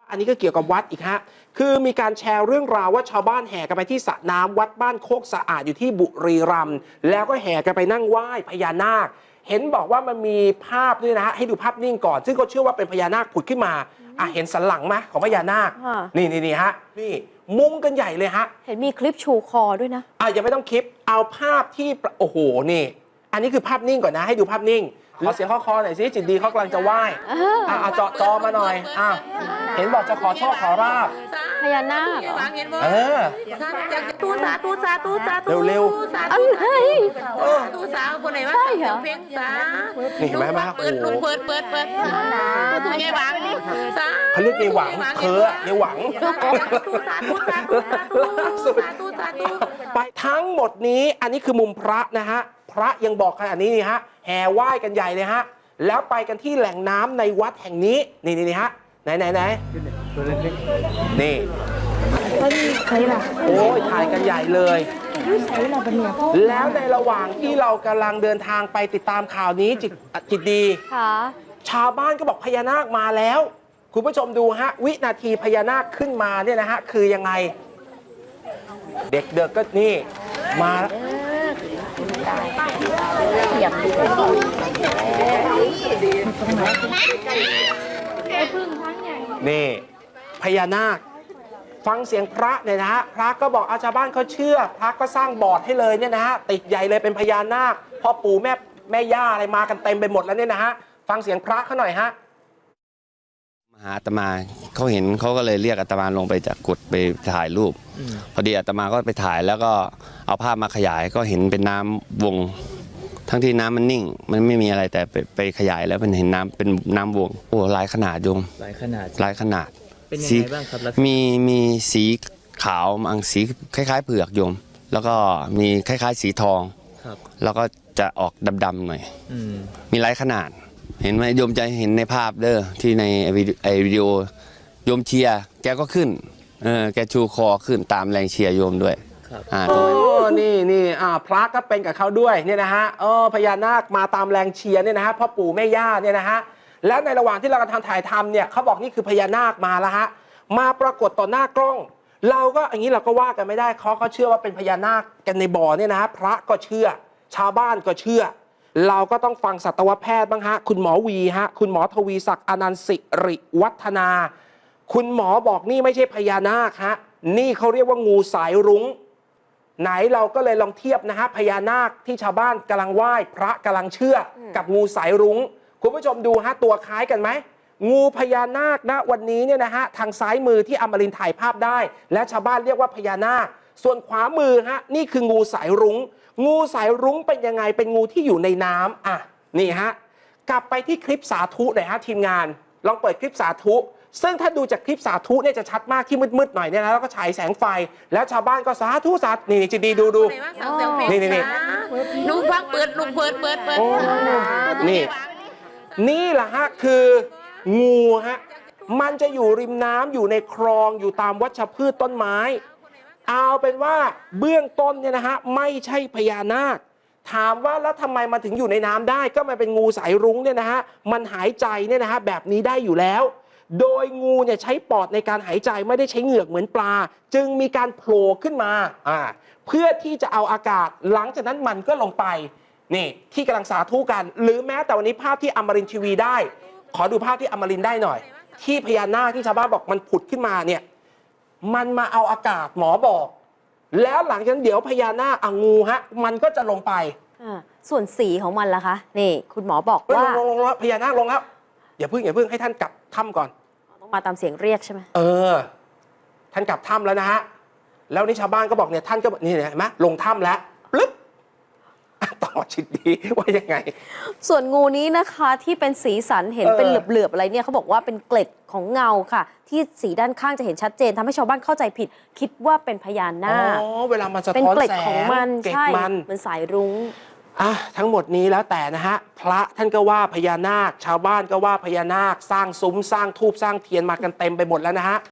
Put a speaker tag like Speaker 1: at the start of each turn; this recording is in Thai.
Speaker 1: อันนี้ก็เกี่ยวกับวัดอีกฮะคือมีการแชร์เรื่องราวว่าชาวบ้านแห่กันไปที่สระน้ำวัดบ้านโคกสะอาดอยู่ที่บุรีรัมย์แล้วก็แห่กันไปนั่งไหว้พญานาคเห็นบอกว่ามันมีภาพด้วยนะฮะให้ดูภาพนิ่งก่อนซึ่งเขาเชื่อว่าเป็นพญานาคผุดขึ้นมาเห็นสันหลังไหมของพญานาคนี่ฮะนี่มุงกันใหญ่เลยฮะ
Speaker 2: เห็นมีคลิปชูคอด้วยนะ
Speaker 1: ยังไม่ต้องคลิปเอาภาพที่โอ้โหนี่อันนี้คือภาพนิ่งก่อนนะให้ดูภาพนิ่งขอเสียงข้อคอหน่อยสิจิตดีเขากำลังจะไหว้เจาะจอมาหน่อยเห็นบอกจะขอโชคขอราบ
Speaker 2: พญานาค
Speaker 3: ตูสาตูสาตูสาตู
Speaker 1: เร็ว
Speaker 2: อะไร
Speaker 3: ตูสาคนไหนวะ
Speaker 2: ใช่เหรอ
Speaker 3: เพลงสา
Speaker 1: นี่เห็นไหมมา
Speaker 3: เปิดตูยายหวังสา
Speaker 1: เขาเรียกยายหวังเธอยายหวัง
Speaker 3: ตูสาตูสาตูสาตูสาตู
Speaker 1: ไปทั้งหมดนี้อันนี้คือมุมพระนะฮะพระยังบอกขนาดนี้นี่ฮะแห่ไหว้กันใหญ่เลยฮะแล้วไปกันที่แหล่งน้ำในวัดแห่งนี้นี่ฮะไหนนี่
Speaker 2: ใครล่ะ
Speaker 1: โอ้ยถ่ายกันใหญ่เลยแล้วในระหว่างที่เรากำลังเดินทางไปติดตามข่าวนี้จิตดีชาวบ้านก็บอกพญานาคมาแล้วคุณผู้ชมดูฮะวินาทีพญานาคขึ้นมาเนี่ยนะฮะคือยังไงเด็กก็นี่มานี่พญานาคฟังเสียงพระเนี่ยนะฮะพระก็บอกชาวบ้านเขาเชื่อพระก็สร้างบอร์ดให้เลยเนี่ยนะฮะติดใหญ่เลยเป็นพญานาคพ่อปู่แม่ย่าอะไรมากันเต็มไปหมดแล้วเนี่ยนะฮะฟังเสียงพระเขาหน่อยฮะ
Speaker 4: มาหาอาตมาเขาเห็นเขาก็เลยเรียกอาตมาลงไปจากกุฏไปถ่ายรูปพอดีอาตมาก็ไปถ่ายแล้วก็เอาภาพมาขยายก็เห็นเป็นน้ำวงทั้งที่น้ำมันนิ่งมันไม่มีอะไรแต่ไปขยายแล้วมันเห็นน้ำเป็นน้ำวงโอ้หลายขนาดโยม
Speaker 5: หลายขนาด
Speaker 4: เป็นยังไงบ้างครับมีสีขาวบางสีคล้ายๆเผือกโยมแล้วก็มีคล้ายๆสีทองแล้วก็จะออกดำๆหน่อยมีหลายขนาดเห็นไหมโยมจะเห็นในภาพเด้อที่ในวิดีโอโยมเชียร์แกก็ขึ้นแกชูคอขึ้นตามแรงเชียร์โยมด้วย
Speaker 1: นี่พระก็เป็นกับเขาด้วยเนี่ยนะฮะพญานาคมาตามแรงเชียร์เนี่ยนะฮะพ่อปู่แม่ย่าเนี่ยนะฮะแล้วในระหว่างที่เรากำลังถ่ายทำเนี่ยเขาบอกนี่คือพญานาคมาแล้วฮะมาปรากฏต่อหน้ากล้องเราก็อย่างนี้เราก็ว่ากันไม่ได้เขาเชื่อว่าเป็นพญานาคกันในบ่อเนี่ยนะฮะพระก็เชื่อชาวบ้านก็เชื่อเราก็ต้องฟังสัตวแพทย์บ้างฮะคุณหมอวีฮะคุณหมอทวีศักดิ์อนันต์สิริวัฒนาคุณหมอบอกนี่ไม่ใช่พญานาคฮะนี่เขาเรียกว่างูสายรุ้งไหนเราก็เลยลองเทียบนะฮะพญานาคที่ชาวบ้านกำลังไหว้พระกำลังเชื่อกับงูสายรุ้งคุณผู้ชมดูฮะตัวคล้ายกันไหมงูพญานาคนะวันนี้เนี่ยนะฮะทางซ้ายมือที่อมรินทร์ถ่ายภาพได้และชาวบ้านเรียกว่าพญานาคส่วนขวามือฮะนี่คืองูสายรุ้งงูสายรุ้งเป็นยังไงเป็นงูที่อยู่ในน้ำนี่ฮะกลับไปที่คลิปสาธุหน่อยฮะทีมงานลองเปิดคลิปสาธุซึ่งถ้าดูจากคลิปสาธุเนี่ยจะชัดมากที่มืดๆหน่อยเนี่ยนะแล้วก็ฉายแสงไฟแล้วชาวบ้านก็สาธุนี่จิตดีดูนี่
Speaker 3: ลุงฟังเปิด
Speaker 1: นี่แหละฮะคืองูฮะมันจะอยู่ริมน้ำอยู่ในคลองอยู่ตามวัชพืชต้นไม้เอาเป็นว่าเบื้องต้นเนี่ยนะฮะไม่ใช่พญานาคถามว่าแล้วทำไมมันถึงอยู่ในน้ำได้ก็มันเป็นงูสายรุ้งเนี่ยนะฮะมันหายใจเนี่ยนะฮะแบบนี้ได้อยู่แล้วโดยงูเนี่ยใช้ปอดในการหายใจไม่ได้ใช้เหงือกเหมือนปลาจึงมีการโผล่ขึ้นมาเพื่อที่จะเอาอากาศหลังจากนั้นมันก็ลงไปนี่ที่กำลังสาธุกันหรือแม้แต่วันนี้ภาพที่อมรินทร์ทีวีได้ขอดูภาพที่อมรินทร์ได้หน่อยที่พญานาคที่ชาวบ้านบอกมันผุดขึ้นมาเนี่ยมันมาเอาอากาศหมอบอกแล้วหลังจากนั้นเดี๋ยวพญานาคงูฮะมันก็จะลงไป
Speaker 2: ส่วนสีของมันล่ะคะนี่คุณหมอบอกว่า
Speaker 1: ลงแล้วพญานาคลงแล้วอย่าเพิ่งให้ท่านกลับถ้ำก่อน
Speaker 2: ต้องมาตามเสียงเรียกใช่ไหม
Speaker 1: ท่านกลับถ้ำแล้วนะฮะแล้วนี่ชาวบ้านก็บอกเนี่ยท่านก็นี่เห็นไหมลงถ้ำแล้วปึ๊บต่อชิดดีว่ายังไง
Speaker 2: ส่วนงูนี้นะคะที่เป็นสีสันเห็นเป็นเหลือบๆอะไรเนี่ยเขาบอกว่าเป็นเกล็ดของเงาค่ะที่สีด้านข้างจะเห็นชัดเจนทำให้ชาวบ้านเข้าใจผิดคิดว่าเป็นพญานาค
Speaker 1: เวลามันสะท้อนแสง
Speaker 2: เป็นเกล็ดของมันใช่เหมือนสายรุ้ง
Speaker 1: ทั้งหมดนี้แล้วแต่นะฮะพระท่านก็ว่าพญานาคชาวบ้านก็ว่าพญานาคสร้างซุ้มสร้างธูปสร้างเทียนมากันเต็มไปหมดแล้วนะฮะ